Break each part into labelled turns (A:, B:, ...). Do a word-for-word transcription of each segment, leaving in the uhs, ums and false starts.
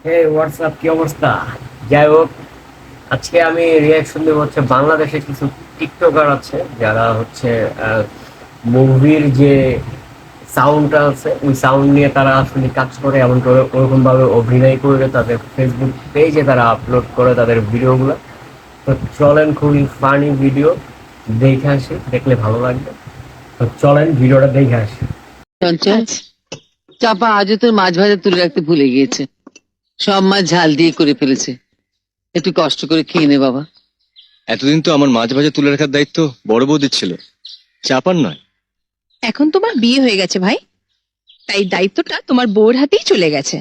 A: হে WhatsApp, কি অবস্থা? যাই হোক, আজকে আমি রিয়াকশন দেবো হচ্ছে বাংলাদেশে কিছু টিকটকার আছে যারা হচ্ছে মুভির যে সাউন্ডটা আছে ওই সাউন্ড নিয়ে তারা আসলে কাজ করে, এমন করে ওরকম ভাবে অভিনয় করে তাদের ফেসবুক পেজে তারা আপলোড করে তাদের ভিডিওগুলো। তো চলেন, খুবই ফানি ভিডিও, দেখে আসি, দেখলে ভালো লাগবে। তো চলেন ভিডিওটা দেখে আসি।
B: চঞ্চল,
C: আচ্ছা।
B: চাপা আজও তোর মাছ ভাজা তুলে রাখতে ভুলে গিয়েছে। সব মাছ ঝাল দিয়ে করে ফেলেছে। একটু কষ্ট করে খেয়ে নে বাবা।
D: এতদিন তো আমার মাছ ভাজা তুলে রাখার দায়িত্ব বড় বৌদির ছিল, চাপার নয়।
C: এখন তোমার বিয়ে হয়ে গেছে ভাই, তাই দায়িত্বটা তোমার বউর হাতেই চলে গেছে।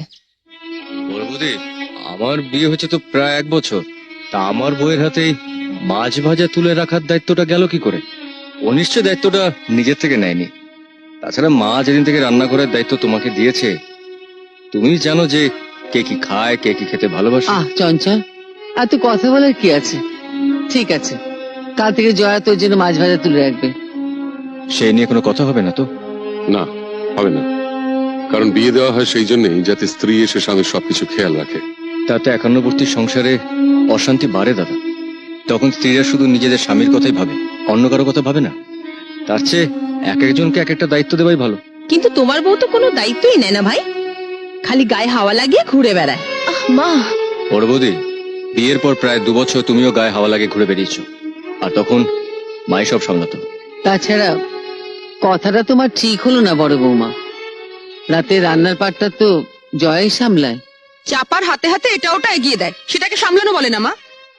D: বড় বৌদি, আমার বিয়ে হয়েছে তো প্রায় এক বছর, তা আমার বউয়ের হাতেই মাছ ভাজা তুলে রাখার দায়িত্বটা গেল কি করে? ও নিশ্চয় দায়িত্বটা নিজের থেকে নেয়নি। তাছাড়া মা যেদিন থেকে রান্না করার দায়িত্ব তোমাকে দিয়েছে, তুমি জানো যে কে কি খায়, কে কি খেতে ভালোবাসে।
B: আহ চঞ্চল, আর তো কথা বলার কি আছে? ঠিক আছে, কাল থেকে জয়া তোর জন্য মাছ ভাজা তুলে রাখবে।
D: সে নিয়ে কোনো কথা হবে না তো?
E: না, হবে না। কারণ বিয়ে দেওয়া হয় সেই জন্যই যাতে স্ত্রী এসে স্বামীর সবকিছু খেয়াল রাখে।
D: তাতে একান্নবর্তী সংসারে অশান্তি বাড়ে দাদা। তখন স্ত্রীরা শুধু নিজেদের স্বামীর কথাই ভাবে, অন্য কারো কথা ভাবে না। তার চেয়ে এক একজনকে এক একটা দায়িত্ব দেওয়াই ভালো।
C: কিন্তু তোমার বউ তো কোনো দায়িত্বই নেয় না ভাই, খালি গায়ে হাওয়া লাগিয়ে ঘুরে বেড়ায়। আহ মা,
D: বড় বৌদি, বিয়ের পর প্রায় দু বছর তুমিও গায়ে হাওয়া লাগে ঘুরে বেরিয়েছ, আর তখন মাই সব সামলাতো।
B: তাছাড়া কথাটা তোমার ঠিক হলো না বড় বৌমা। রাতে রান্নার পাটটা তো জয়াই সামলায়।
C: চাপার হাতে হাতে এটা ওটা এগিয়ে দেয়, সেটাকে সামলানো বলে না মা।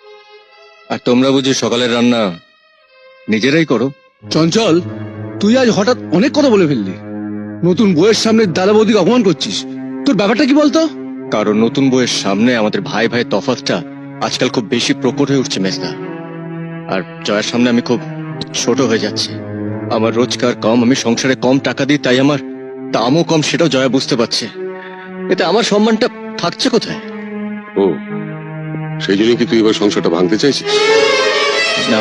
D: আর তোমরা বুঝি সকালের রান্না নিজেরাই করো?
F: চঞ্চল, তুই আজ হঠাৎ অনেক কথা বলে ফেললি। নতুন বইয়ের সামনে দাদা বৌদিকে অপমান করছিস। তোর ব্যাপারটা কি বলতো?
D: কারণ নতুন বউয়ের সামনে আমাদের ভাই ভাই তফাৎটা আজকাল খুব বেশি প্রকট হয়ে উঠছে মেজদা। আর জয়ের সামনে আমি খুব ছোট হয়ে যাচ্ছি। আমার রোজগার কম, আমি সংসারে কম টাকা দিই, তাই আমার দামও কম, সেটাও জয়া বুঝতে পারছে। এতে আমার সম্মানটা থাকছে কোথায়?
E: ও, সেই জন্য কি তুই এবার সংসারটা ভাঙতে চাইছিস?
D: না,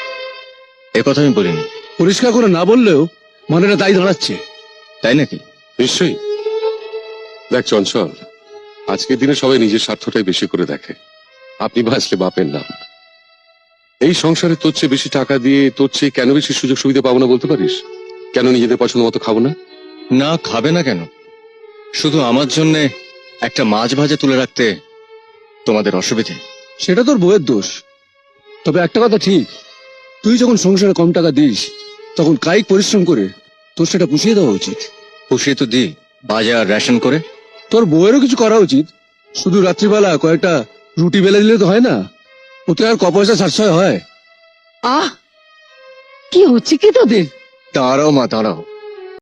D: এ কথা আমি বলিনি।
F: পরিষ্কার করে না বললেও মনেটা তাই দাঁড়াচ্ছে।
D: তাই নাকি?
E: নিশ্চয়ই। দেখ চঞ্চল, আজকের দিনে সবাই নিজের স্বার্থটাই বেশি করে দেখে। আপনি বাঁচলে বাপের নাম। এই সংসারে তোর চেয়ে বেশি টাকা দিয়ে তোর চেয়ে কেন বেশি সুযোগ সুবিধা পাবো না বলতে পারিস? কেন নিজেদের পছন্দ মতো খাবো না?
D: না, খাবে না কেন? শুধু আমার জন্য একটা মাছ ভাজা তুলে রাখতে তোমাদের অসুবিধে?
F: সেটা তোর বউয়ের দোষ। তবে একটা কথা ঠিক, তুই যখন সংসারে কম টাকা দিস তখন কায়িক পরিশ্রম করে তোর সেটা পুষিয়ে দেওয়া উচিত।
D: পুষিয়ে তো দিই, বাজার রেশন করে।
F: তোর বউয়েরও কিছু করা উচিত। শুধু রাত্রিবেলা কয়েকটা রুটি বেলে দিলে তো হয় না, ওতে আর ক পয়সা সাশ্রয় হয়।
B: আহ, কি হচ্ছে কি তোদের?
D: দাঁড়াও মা, দাঁড়াও।